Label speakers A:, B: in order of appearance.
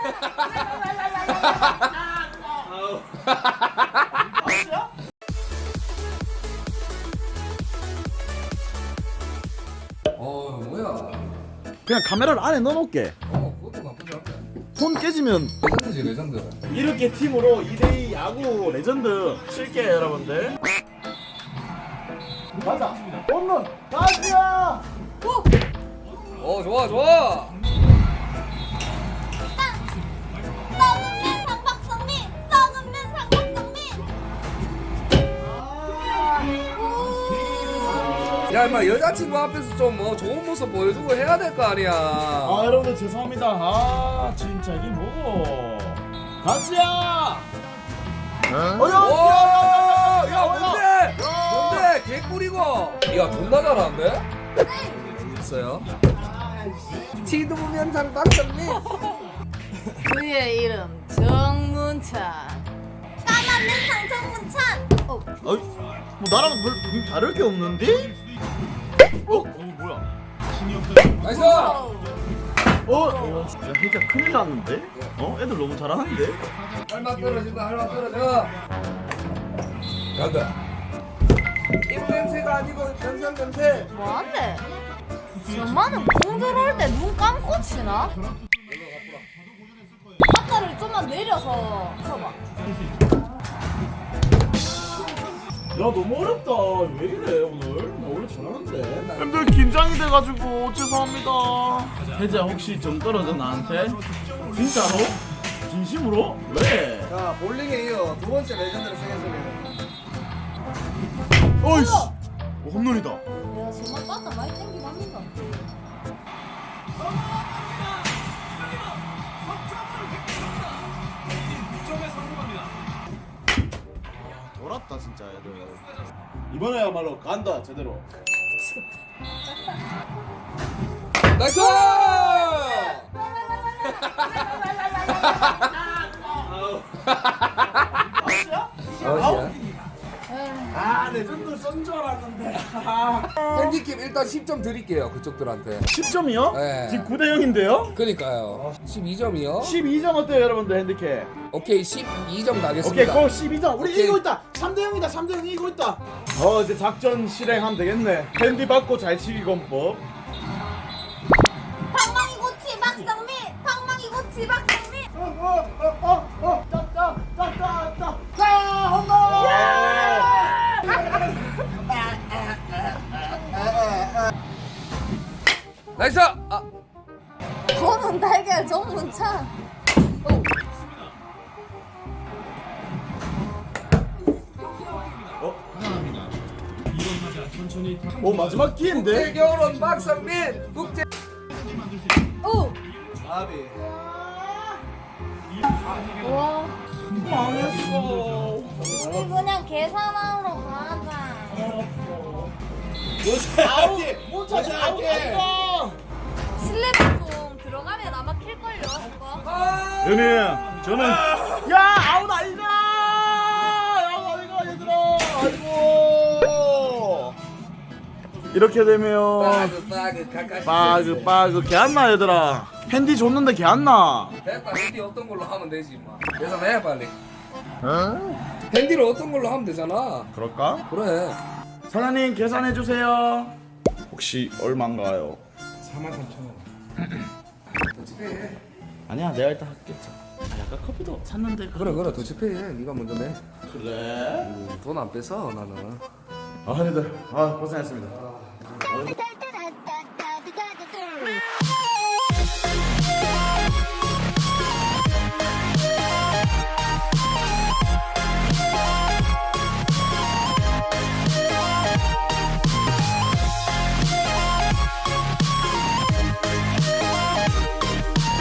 A: 뭐야?
B: 그냥 카메라를 안에 넣어놓을게.
A: 그것도 나쁘지 않다.
B: 손 깨지면
A: 레전드지 레전드.
B: 이렇게 팀으로 2대2 야구 레전드 칠게요 여러분들. 가자. 홈런 가자.
A: 좋아 좋아.
C: 썩은 면상 박성민, 썩은 면상 박성민.
A: 야 임마 여자친구 앞에서 좀 뭐 좋은 모습 보여주고 해야 될 거 아니야.
B: 아 여러분들 죄송합니다. 아 진짜 이게 뭐고? 가자.
A: 야 뭔데? 뭔데? 개꿀이고. 야 존나 잘하는데? 있어요. 지도면상 박성민.
C: 그의 이름 정문찬. 까만 면상 정문찬.
B: 뭐 나랑 별 다를 게 없는데? 뭐야?
A: 나이스.
B: 야 진짜 큰일 났는데? 애들 너무 잘하는데?
A: 할만 떨어진다 할만 떨어져. 간다. 입 냄새가 아니고 변상 냄새.
C: 뭐한데? 엄마는 공 들어올 때 눈 감고 치나? 아까를 좀만 내려서 쳐봐.
B: 야 너무 어렵다. 왜 이래 오늘? 나 원래 잘하는데. 형들 긴장이 돼가지고 죄송합니다. 혜지야 혹시 점 떨어져 나한테? 진짜로? 진심으로? 왜?
A: 자 볼링에 이어 두 번째 레전드를 생겼습니다.
B: 어이씨. 홈런이다.
C: 내가 정말 빠따 많이 땡기고 합니다.
B: 돌았다 진짜 애들. 이번에야말로 간다 제대로.
A: 나이스!
B: 아 레전드 쏜 줄 알았는데.
A: 핸디캡 일단 10점 드릴게요 그쪽들한테.
B: 10점이요?
A: 네.
B: 지금 9대 0인데요?
A: 그니까요 12점이요?
B: 12점 어때요 여러분들 핸디캡?
A: 오케이 12점
B: 오케이
A: 나겠습니다.
B: 고 12점 우리
A: 오케이.
B: 이기고 있다. 3대 0이다. 3대 0 이기고 있다. 이제 작전 실행하면 되겠네. 핸디 받고 잘 치기 권법.
C: 방망이 고치 박성민, 방망이 고치 박성민.
A: 나이스! 아
C: 검은 달걀 정문찬.
B: 오 마지막 기회인데?
A: 국제결혼 박성민 국제.
C: 오.
A: 아비.
C: 와.
B: 망했어.
C: 우리 그냥 계산하러 가자.
B: 못 찾아갈게.
C: 실내 방송 들어가면 아마 킬걸요. 이거.
B: 연희 저는 야 아웃 아니다. 아웃 아이가 얘들아. 아이고. 이렇게 되면 빠그 개 안 나 얘들아. 핸디 줬는데 개 안 나.
A: 됐다 핸디 어떤 걸로 하면 되지 뭐. 계산해 빨리. 핸디를 어떤 걸로 하면 되잖아.
B: 그럴까?
A: 그래.
B: 사장님 계산해 주세요. 혹시 얼마인가요?
A: 43,000원. 더치페이.
B: 아니야 내가 일단 할게. 약간 커피도 샀는데.
A: 그래 더치페이 해. 네가 먼저 내.
B: 그래.
A: 돈 안 뺏어 나는.
B: 형님들 고생했습니다.